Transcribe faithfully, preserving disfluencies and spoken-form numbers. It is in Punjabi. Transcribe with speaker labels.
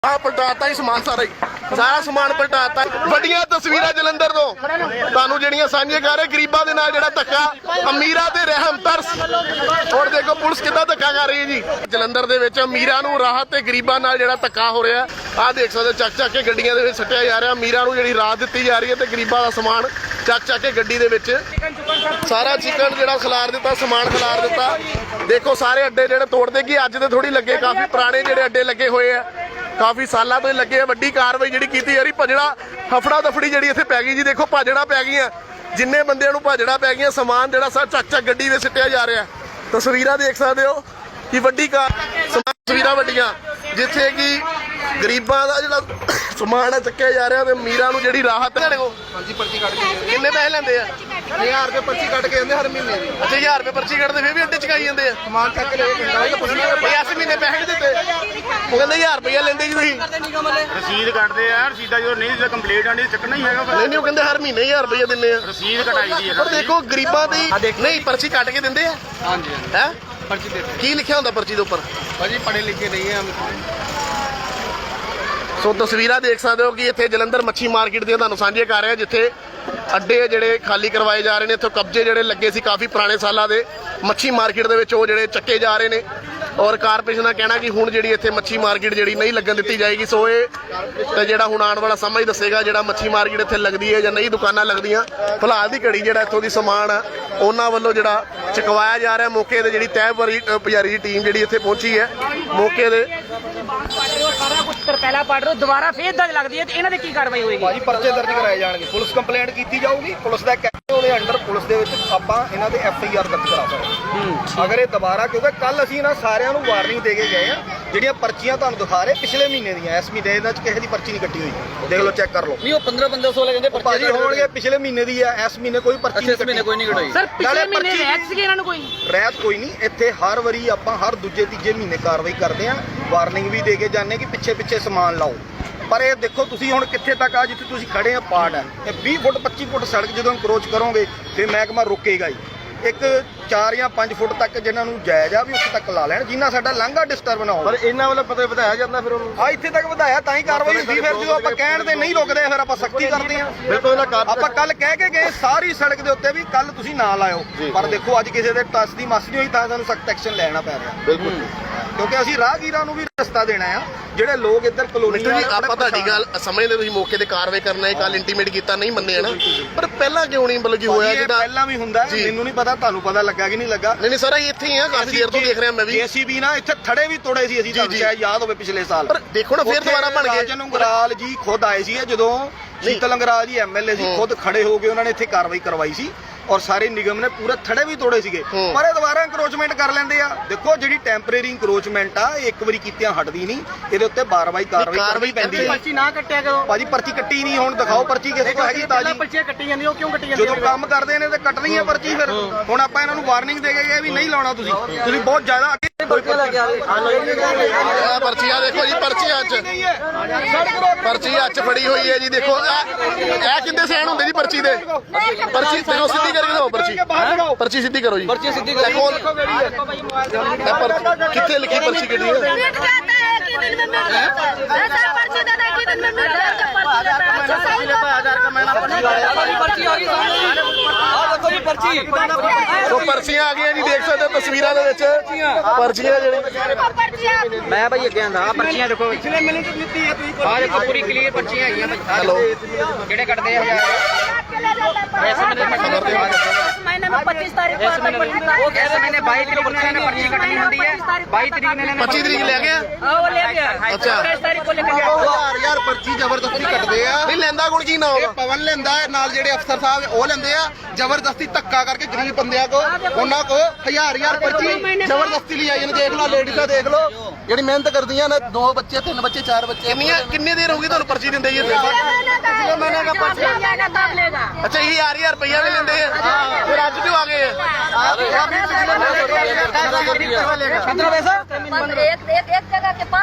Speaker 1: ਆ ਪਲਟਾਤਾ ਹੀ ਸਮਾਨ ਸਾਰਾ ਹੀ ਸਾਰਾ ਸਮਾਨ ਪਲਟਾਤਾ। ਵੱਡੀਆਂ ਤਸਵੀਰਾਂ ਜਲੰਧਰ ਤੋਂ ਤੁਹਾਨੂੰ ਜਿਹੜੀਆਂ ਸਾਂਝੇ ਕਰ ਰਹੇ ਗਰੀਬਾਂ ਦੇ ਨਾਲ ਜਿਹੜਾ ਧੱਕਾ, ਅਮੀਰਾਂ ਤੇ ਰਹਿਮ ਤਰਸ। ਹੁਣ ਦੇਖੋ ਪੁਲਿਸ ਕਿੱਦਾਂ ਧੱਕਾ ਕਰ ਰਹੀ ਹੈ ਜੀ ਜਲੰਧਰ ਦੇ ਵਿੱਚ। ਅਮੀਰਾਂ ਨੂੰ ਰਾਹਤ ਤੇ ਗਰੀਬਾਂ ਨਾਲ ਜਿਹੜਾ ਧੱਕਾ ਹੋ ਰਿਹਾ ਆਹ ਦੇਖ ਸਕਦੇ, ਚੱਕ ਚੱਕ ਕੇ ਗੱਡੀਆਂ ਦੇ ਵਿੱਚ ਸੱਟਿਆ ਜਾ ਰਿਹਾ। ਅਮੀਰਾਂ ਨੂੰ ਜਿਹੜੀ ਰਾਹਤ ਦਿੱਤੀ ਜਾ ਰਹੀ ਹੈ ਤੇ ਗਰੀਬਾਂ ਦਾ ਸਮਾਨ ਚੱਕ ਚੱਕ ਕੇ ਗੱਡੀ ਦੇ ਵਿੱਚ ਸਾਰਾ ਚਿਕਨ ਜਿਹੜਾ ਖਿਲਾਰ ਦਿੱਤਾ, ਸਮਾਨ ਖਿਲਾਰ ਦਿੱਤਾ। ਦੇਖੋ ਸਾਰੇ ਅੱਡੇ ਜਿਹੜੇ ਤੋੜਦੇ ਕਿ ਅੱਜ ਤੇ ਥੋੜੀ ਲੱਗੇ, ਕਾਫੀ ਪੁਰਾਣੇ ਜਿਹੜੇ ਅੱਡੇ ਲੱਗੇ ਹੋਏ ਆ, ਕਾਫੀ ਸਾਲਾਂ ਤੋਂ ਲੱਗੇ ਆ। ਵੱਡੀ ਕਾਰਵਾਈ ਜਿਹੜੀ ਕੀਤੀ ਜਾ ਰਹੀ, ਭਜੜਾ ਹਫੜਾ ਦਫੜੀ ਜਿਹੜੀ ਇੱਥੇ ਪੈ ਗਈ ਜੀ। ਦੇਖੋ ਭਾਜੜਾ ਪੈ ਗਈਆਂ, ਜਿੰਨੇ ਬੰਦਿਆਂ ਨੂੰ ਭਾਜੜਾ ਪੈ ਗਈਆਂ, ਸਮਾਨ ਜਿਹੜਾ ਸਾ ਚੱਕ ਚੱਕ ਗੱਡੀ ਵਿੱਚ ਸਿੱਟਿਆ ਜਾ ਰਿਹਾ। ਤਸਵੀਰਾਂ ਦੇਖ ਸਕਦੇ ਹੋ ਕਿ ਵੱਡੀ ਕਾਰ ਤਸਵੀਰਾਂ ਵੱਡੀਆਂ ਜਿੱਥੇ ਕਿ ਗਰੀਬਾਂ ਦਾ ਜਿਹੜਾ ਸਮਾਨ ਹੈ ਚੱਕਿਆ ਜਾ ਰਿਹਾ ਤੇ ਅਮੀਰਾਂ ਨੂੰ ਜਿਹੜੀ ਰਾਹਤ ਹੈ।
Speaker 2: ਹਾਂਜੀ ਪਰਚੀ ਕੱਢ ਕੇ
Speaker 1: ਕਿੰਨੇ ਪੈਸੇ ਲੈਂਦੇ ਆ?
Speaker 2: ਹਜ਼ਾਰ ਰੁਪਏ ਪਰਚੀ ਕੱਢ ਕੇ ਦਿੰਦੇ ਹਰ ਮਹੀਨੇ ਦੀ।
Speaker 1: ਅੱਛਾ ਹਜ਼ਾਰ ਰੁਪਏ ਪਰਚੀ ਕੱਢਦੇ ਫਿਰ ਵੀ ਅੱਡੇ ਚਕਾਈ ਜਾਂਦੇ ਆ।
Speaker 2: ਸਮਾਨ ਚੱਕ ਕੇ ਲੈ ਕੇ ਜਾਂਦਾ ਪੁੱਛਣਾ
Speaker 1: ਬਈ ਇਸ ਮਹੀਨੇ ਪੈਸੇ ਨਹੀਂ ਦਿੱਤੇ, ਉਹ ਕਹਿੰਦੇ ਹਜ਼ਾਰ ਰੁਪਇਆ ਲੈਂਦੇ ਜੀ ਤੁਸੀਂ।
Speaker 3: ਰਸੀਦ ਕੱਟਦੇ ਆ, ਰਸੀਦਾਂ ਜਦੋਂ ਨਹੀਂ ਜਦੋਂ ਕੰਪਲੀਟ ਆਣੀ ਚੱਕਣਾ ਹੀ ਹੈਗਾ।
Speaker 1: ਨਹੀਂ ਨਹੀਂ ਉਹ ਕਹਿੰਦੇ ਹਰ ਮਹੀਨੇ ਹਜ਼ਾਰ ਰੁਪਇਆ ਦਿੰਦੇ ਆ।
Speaker 3: ਰਸੀਦ ਕਟਾਈ ਦੀ ਹੈ
Speaker 1: ਪਰ ਦੇਖੋ ਗਰੀਬਾਂ ਦੀ ਨਹੀਂ ਪਰਚੀ ਕੱਟ ਕੇ ਦਿੰਦੇ ਆ।
Speaker 2: ਹਾਂਜੀ
Speaker 1: ਹੈ
Speaker 2: ਪਰਚੀ ਦੇ
Speaker 1: ਕੀ ਲਿਖਿਆ ਹੁੰਦਾ ਪਰਚੀ ਦੇ ਉੱਪਰ?
Speaker 2: ਭਾਜੀ ਪੜ੍ਹੇ ਲਿਖੇ ਨਹੀਂ ਆ।
Speaker 1: ਸੋ ਤਸਵੀਰਾਂ ਦੇਖ ਸਕਦੇ ਹੋ ਕਿ ਇੱਥੇ ਜਲੰਧਰ ਮੱਛੀ ਮਾਰਕੀਟ ਦੀਆਂ ਤੁਹਾਨੂੰ ਸਾਂਝੇ ਕਰ ਰਿਹਾ, ਜਿੱਥੇ ਅੱਡੇ ਜਿਹੜੇ ਖਾਲੀ ਕਰਵਾਏ ਜਾ ਰਹੇ ਨੇ। ਇੱਥੋਂ ਕਬਜ਼ੇ ਜਿਹੜੇ ਲੱਗੇ ਸੀ ਕਾਫੀ ਪੁਰਾਣੇ ਸਾਲਾਂ ਦੇ ਮੱਛੀ ਮਾਰਕੀਟ ਦੇ ਵਿੱਚ, ਉਹ ਜਿਹੜੇ ਚੱਕੇ ਜਾ ਰਹੇ ਨੇ। ਔਰ ਕਾਰਪੋਰੇਸ਼ਨ ਦਾ ਕਹਿਣਾ ਕਿ ਹੁਣ ਜਿਹੜੀ ਇੱਥੇ ਮੱਛੀ ਮਾਰਕੀਟ ਜਿਹੜੀ ਨਹੀਂ ਲੱਗਣ ਦਿੱਤੀ ਜਾਏਗੀ। ਸੋ ਇਹ ਤੇ ਜਿਹੜਾ ਹੁਣ ਆਉਣ ਵਾਲਾ ਸਮਾਂ ਹੀ ਦੱਸੇਗਾ ਜਿਹੜਾ ਮੱਛੀ ਮਾਰਕੀਟ ਇੱਥੇ ਲੱਗਦੀ ਹੈ ਜਾਂ ਨਹੀਂ ਦੁਕਾਨਾਂ ਲੱਗਦੀਆਂ। ਫਿਲਹਾਲ ਦੀ ਘੜੀ ਜਿਹੜਾ ਇੱਥੋਂ ਦੀ ਸਮਾਨ ਆ ਉਹਨਾਂ ਵੱਲੋਂ ਜਿਹੜਾ ਚੁਕਵਾਇਆ ਜਾ ਰਿਹਾ। ਮੌਕੇ ਤੇ ਜਿਹੜੀ ਤਹਿ ਪੁਜਾਰੀ ਦੀ ਟੀਮ ਜਿਹੜੀ ਇੱਥੇ ਪਹੁੰਚੀ ਹੈ ਮੌਕੇ ਦੇ
Speaker 4: ਸਾਰਾ ਕੁਝ ਪਹਿਲਾਂ ਪੜ ਰਹੇ ਦੁਬਾਰਾ ਫੇਰ ਦਰਜ ਲੱਗਦੀ ਹੈ ਤੇ ਇਹਨਾਂ ਦੇ ਕੀ ਕਾਰਵਾਈ ਹੋਏਗੀ?
Speaker 2: ਭਾਜੀ ਪਰਚੇ ਦਰਜ ਕਰਾਏ ਜਾਣਗੇ, ਪੁਲਿਸ ਕੰਪਲੇਂਟ ਕੀਤੀ ਜਾਊਗੀ। ਪੁਲਿਸ ਦਾ ਕਹਿੰਦੇ ਉਹਦੇ ਅੰਡਰ ਪੁਲਿਸ ਦੇ ਵਿੱਚ ਆਪਾਂ ਇਹਨਾਂ ਦੇ ਐਫ ਆਈ ਆਰ ਦਰਜ ਕਰਾ ਸਕਦੇ ਅਗਰ ਇਹ ਦੁਬਾਰਾ, ਕਿਉਂਕਿ ਕੱਲ ਅਸੀਂ ਇਹਨਾਂ ਸਾਰਿਆਂ ਨੂੰ ਵਾਰਨਿੰਗ ਦੇ ਕੇ ਗਏ ਆ। ਜਿਹੜੀਆਂ ਪਰਚੀਆਂ ਤੁਹਾਨੂੰ ਦਿਖਾ ਰਹੇ ਪਿਛਲੇ ਮਹੀਨੇ ਦੀਆਂ, ਇਸ ਮਹੀਨੇ ਇਹਨਾਂ 'ਚ ਕਿਸੇ ਦੀ ਪਰਚੀ ਨਹੀਂ ਕੱਟੀ ਹੋਈ, ਦੇਖ ਲਓ ਚੈੱਕ ਕਰ ਲਓ।
Speaker 5: ਨਹੀਂ ਉਹ ਪੰਦਰਾਂ ਪੰਦਰਾਂ ਸੌ ਕਹਿੰਦੇ
Speaker 2: ਭਾਜੀ ਹੋਣਗੇ ਪਿਛਲੇ ਮਹੀਨੇ ਦੀ ਆ, ਇਸ ਮਹੀਨੇ ਕੋਈ ਪਰਚੀ ਨਹੀਂ ਕੱਟੀ।
Speaker 5: ਕੋਈ ਨਹੀਂ ਕਟਾਈ
Speaker 4: ਸਰ ਪਿਛਲੇ ਮਹੀਨੇ ਰਹਿਤ ਸੀਗੇ ਇਹਨਾਂ ਨੂੰ ਕੋਈ
Speaker 2: ਰਹਿਤ ਕੋਈ ਨਹੀਂ। ਇੱਥੇ ਹਰ ਵਾਰੀ ਆਪਾਂ ਹਰ ਦੂਜੇ ਤੀਜੇ ਮਹੀਨੇ ਕਾਰਵਾਈ ਕਰਦੇ ਆ, ਵਾਰਨਿੰਗ ਵੀ ਦੇ ਕੇ ਜਾਂਦੇ ਕਿ ਪਿੱਛੇ ਪਿੱਛੇ ਸਮਾਨ ਲਾਓ। ਪਰ ਇਹ ਦੇਖੋ ਤੁਸੀਂ ਹੁਣ ਕਿੱਥੇ ਤੱਕ ਆ, ਜਿੱਥੇ ਤੁਸੀਂ ਖੜੇ ਆ ਪਾਰਟ ਹੈ ਇਹ ਵੀਹ ਫੁੱਟ ਪੱਚੀ ਫੁੱਟ ਸੜਕ ਜਦੋਂ ਅਪਰੋਚ ਕਰੋਗੇ ਫਿਰ ਮਹਿਕਮਾ ਰੋਕੇਗਾ ਹੀ। ਇੱਕ ਚਾਰ ਜਾਂ ਪੰਜ ਫੁੱਟ ਤੱਕ ਜਿਨ੍ਹਾਂ ਨੂੰ ਜਾਇਜ਼ ਆ ਵੀ ਉੱਥੇ ਤੱਕ ਲਾ ਲੈਣ, ਜਿੰਨਾ ਸਾਡਾ ਲਾਂਘਾ ਡਿਸਟਰਬ ਨਾ ਹੋਵੇ।
Speaker 3: ਪਰ ਇਹਨਾਂ ਵੱਲੋਂ ਪਤਾ ਵਧਾਇਆ ਜਾਂਦਾ ਫਿਰ ਉਹਨੂੰ
Speaker 2: ਆ ਇੱਥੇ ਤੱਕ ਵਧਾਇਆ ਤਾਂ ਹੀ ਕਾਰਵਾਈ ਹੁੰਦੀ। ਫਿਰ ਜਦੋਂ ਆਪਾਂ ਕਹਿਣ ਤੇ ਨਹੀਂ ਰੁਕਦੇ ਫਿਰ ਆਪਾਂ ਸਖਤੀ ਕਰਦੇ ਆ।
Speaker 3: ਬਿਲਕੁਲ ਇਹਨਾਂ
Speaker 2: ਆਪਾਂ ਕੱਲ ਕਹਿ ਕੇ ਗਏ ਸਾਰੀ ਸੜਕ ਦੇ ਉੱਤੇ ਵੀ ਕੱਲ ਤੁਸੀਂ ਨਾ ਲਾਇਓ, ਪਰ ਦੇਖੋ ਅੱਜ ਕਿਸੇ ਦੇ ਟੱਸ ਦੀ ਮਸ ਨਹੀਂ ਹੋਈ ਤਾਂ ਸਾਨੂੰ ਸਖਤ ਐਕਸ਼ਨ ਲੈਣਾ ਪੈ ਰਿਹਾ।
Speaker 3: ਬਿਲਕੁਲ
Speaker 2: ਕਿਉਂਕਿ ਅਸੀਂ ਰਾਹਗੀਰਾਂ ਨੂੰ ਵੀ ਰਸਤਾ ਦੇਣਾ ਆ। ਜਿਹੜੇ ਲੋਕ ਇੱਧਰ ਕਲੋਨੀ
Speaker 1: ਜੀ ਆਪਾਂ ਤੁਹਾਡੀ ਗੱਲ ਸਮਝਦੇ, ਤੁਸੀਂ ਮੌਕੇ ਤੇ ਕਾਰਵਾਈ ਕਰਨਾ ਹੈ, ਕੱਲ ਇੰਟੀਮੇਟ ਕੀਤਾ ਨਹੀਂ ਮੰਨੇ ਨਾ, ਪਰ ਪਹਿਲਾਂ ਕਿਉਂ ਨਹੀਂ ਬਲਕਿ ਹੋਇਆ? ਜਿੱਦਾਂ
Speaker 2: ਪਹਿਲਾਂ ਵੀ ਹੁੰਦਾ, ਮੈਨੂੰ ਨਹੀਂ ਪਤਾ ਤੁਹਾਨੂੰ ਪਤਾ ਲੱਗਾ ਕਿ ਨਹੀਂ ਲੱਗਾ।
Speaker 1: ਨਹੀਂ ਨਹੀਂ ਸਰ ਇੱਥੇ ਹੀ ਆ, ਕਾਫੀ ਦੇਰ ਤੋਂ ਦੇਖ ਰਿਹਾ ਮੈਂ ਵੀ।
Speaker 2: ਜੇਸੀਬੀ ਨਾ ਇੱਥੇ ਥੜੇ ਵੀ ਤੋੜੇ ਸੀ ਅਸੀਂ, ਤੁਹਾਨੂੰ ਸ਼ਾਇਦ ਯਾਦ ਹੋਵੇ ਪਿਛਲੇ ਸਾਲ।
Speaker 1: ਪਰ ਦੇਖੋ ਨਾ ਫਿਰ ਦੁਬਾਰਾ ਬਣ ਗਏ।
Speaker 2: ਰਾਜਨ ਉਂਗਰਾਲ ਜੀ ਖੁਦ ਆਏ ਸੀ ਜਦੋਂ ਸ਼ੀਤਲ ਅੰਗਰਾਲ ਜੀ ਐਮ ਐਲ ਏ ਸੀ, ਖੁਦ ਖੜੇ ਹੋ ਗਏ, ਉਹਨਾਂ ਨੇ ਇੱਥੇ ਕਾਰਵਾਈ ਕਰਵਾਈ ਸੀ ਔਰ ਸਾਰੇ ਨਿਗਮ ਨੇ ਪੂਰੇ ਥੜੇ ਵੀ ਤੋੜੇ ਸੀਗੇ। ਪਰ ਇਹ ਦੁਬਾਰਾ ਇੰਕਰੋਚਮੈਂਟ ਕਰ ਲੈਂਦੇ ਆ। ਦੇਖੋ ਜਿਹੜੀ ਟੈਂਪਰੇਰੀ ਇੰਕਰੋਚਮੈਂਟ ਆ ਇਹ ਇੱਕ ਵਾਰੀ ਕੀਤਿਆਂ ਹਟਦੀ ਨਹੀਂ, ਇਹਦੇ ਉੱਤੇ ਬਾਰ-ਬਾਰ ਕਾਰਵਾਈ ਕਰਨੀ ਪੈਂਦੀ ਹੈ।
Speaker 4: ਪਰਚੀ ਨਾ ਕੱਟਿਆ ਕਰੋ
Speaker 2: ਭਾਜੀ ਪਰਚੀ ਕੱਟੀ ਨਹੀਂ, ਹੁਣ ਦਿਖਾਓ ਪਰਚੀ ਕਿਸੇ ਕੋਲ ਹੈਗੀ ਤਾਜੀ।
Speaker 4: ਪਰਚੀਆਂ ਕੱਟੀ ਜਾਂਦੀਆਂ ਉਹ ਕਿਉਂ ਕੱਟੀ ਜਾਂਦੀਆਂ?
Speaker 2: ਜਦੋਂ ਕੰਮ ਕਰਦੇ ਨੇ ਤੇ ਕੱਟਣੀ ਹੈ ਪਰਚੀ। ਫਿਰ ਹੁਣ ਆਪਾਂ ਇਹਨਾਂ ਨੂੰ ਵਾਰਨਿੰਗ ਦੇ ਕੇ ਗਏ ਵੀ ਨਹੀਂ ਲਾਉਣਾ ਤੁਸੀਂ ਤੁਸੀਂ ਬਹੁਤ ਜ਼ਿਆਦਾ ਅੱਗੇ
Speaker 1: ਪਰਚੀਆਂ ਦੇਖੋ ਜੀ, ਪਰਚੀਆਂ ਚ ਪਰਚੀ ਹੱਥ ਫੜੀ ਹੋਈ ਹੈ ਜੀ। ਦੇਖੋ ਇਹ ਕਿੰਦੇ ਸੈਨ ਹੁੰਦੇ ਜੀ ਪਰਚੀ ਦੇ? ਪਰਚੀ ਦੇਖੋ ਸਿੱਧੀ ਕਰਕੇ ਦਿਓ, ਪਰਚੀ ਪਰਚੀ ਸਿੱਧੀ ਕਰੋ ਜੀ।
Speaker 5: ਪਰਚੀ ਸਿੱਧੀ
Speaker 1: ਦੇਖੋ ਕਿੱਥੇ ਲਿਖੀ ਪਰਚੀ ਕਿਹੜੀ ਹੈ?
Speaker 6: मिट जाता है कि दिन में मिट जाता है ऐसा पर्ची देता है कि दिन में मिट जाता है पर्ची देता है अच्छा सही लेता है हजार का महीना पर्ची
Speaker 5: ਪਰਚੀ ਆ ਗਈ ਸਾਹਮਣੇ ਆ ਦੇਖੋ ਜੀ ਪਰਚੀ।
Speaker 1: ਸੋ ਪਰਚੀਆਂ ਆ ਗਈਆਂ ਜੀ, ਦੇਖ ਸਕਦੇ ਹੋ ਤਸਵੀਰਾਂ ਦੇ ਵਿੱਚ ਪਰਚੀਆਂ ਜਿਹੜੀ।
Speaker 6: पर्ची
Speaker 5: ਮੈਂ ਭਾਈ ਅੱਗੇ ਆਂਦਾ ਆ ਪਰਚੀਆਂ ਦੇਖੋ ਪਿਛਲੇ ਮਹੀਨੇ ਤੋਂ ਦਿੱਤੀ ਹੈ ਤੁਸੀਂ। ਆ ਦੇਖੋ ਪੂਰੀ ਕਲੀਅਰ ਪਰਚੀਆਂ ਹੈਗੀਆਂ ਭਾਈ।
Speaker 1: ਹੈਲੋ
Speaker 5: ਜਿਹੜੇ ਕੱਟਦੇ ਆ
Speaker 6: महीने में पच्चीस तारीख को आता है।
Speaker 5: ਉਹ ਕਹਿੰਦੇ ਮੈਨੇ ਬਾਈ ਤਰੀਕ ਨੂੰ ਇਹਨਾਂ ਨੇ ਪਰਚੀ ਕੱਟਣੀ ਹੁੰਦੀ ਹੈ। ਬਾਈ ਤਰੀਕ ਨੂੰ ਇਹਨਾਂ ਨੇ
Speaker 1: ਪੱਚੀ ਤਰੀਕ ਲੈ ਗਿਆ।
Speaker 4: हाँ वो ले गया
Speaker 1: अच्छा।
Speaker 4: तेईस तारीख को लेकर गया।
Speaker 2: ਯਾਰ ਯਾਰ ਪਰਚੀ ਜ਼ਬਰਦਸਤੀ ਕੱਟਦੇ ਆ।
Speaker 1: ਨਹੀਂ ਲੈਂਦਾ ਗੁਣ ਕੀ ਨਾ
Speaker 2: ਇਹ
Speaker 1: ਹੋਗਾ?
Speaker 2: ਪਵਨ ਲੈਂਦਾ ਹੈ, ਨਾਲ ਜਿਹੜੇ ਅਫਸਰ ਸਾਹਿਬ ਉਹ ਲੈਂਦੇ ਆ ਜ਼ਬਰਦਸਤੀ ਧੱਕਾ ਕਰਕੇ ਗਰੀਬ ਬੰਦਿਆਂ ਕੋ ਉਹਨਾਂ ਕੋ ਹਜ਼ਾਰ ਹਜ਼ਾਰ ਪਰਚੀ ਜ਼ਬਰਦਸਤੀ ਲਈ ਆਈ ਨੇ। ਦੇਖ ਲਓ ਲੇਡੀਜ਼ਾਂ ਦੇਖ ਲਓ ਜਿਹੜੀ ਮਿਹਨਤ ਕਰਦੀਆਂ ਨੇ, ਦੋ ਬੱਚੇ ਤਿੰਨ ਬੱਚੇ ਚਾਰ ਬੱਚੇ।
Speaker 1: ਕਿੰਨੀਆਂ ਕਿੰਨੇ ਦੇਰ ਹੋ ਗਈ ਤੁਹਾਨੂੰ ਪਰਚੀ ਦਿੰਦੇ ਜੀ ਇੱਥੇ?
Speaker 6: महीने का पर्ची जाएगा तब लेगा
Speaker 1: ਅੱਛਾ ਇਹ ਹਜ਼ਾਰ ਹਜ਼ਾਰ ਰੁਪਈਆ ਵੀ ਲੈਂਦੇ ਆ, ਫਿਰ ਅੱਜ ਕਿਉਂ ਆ ਗਏ ਆ?
Speaker 6: एक एक एक जगह के पास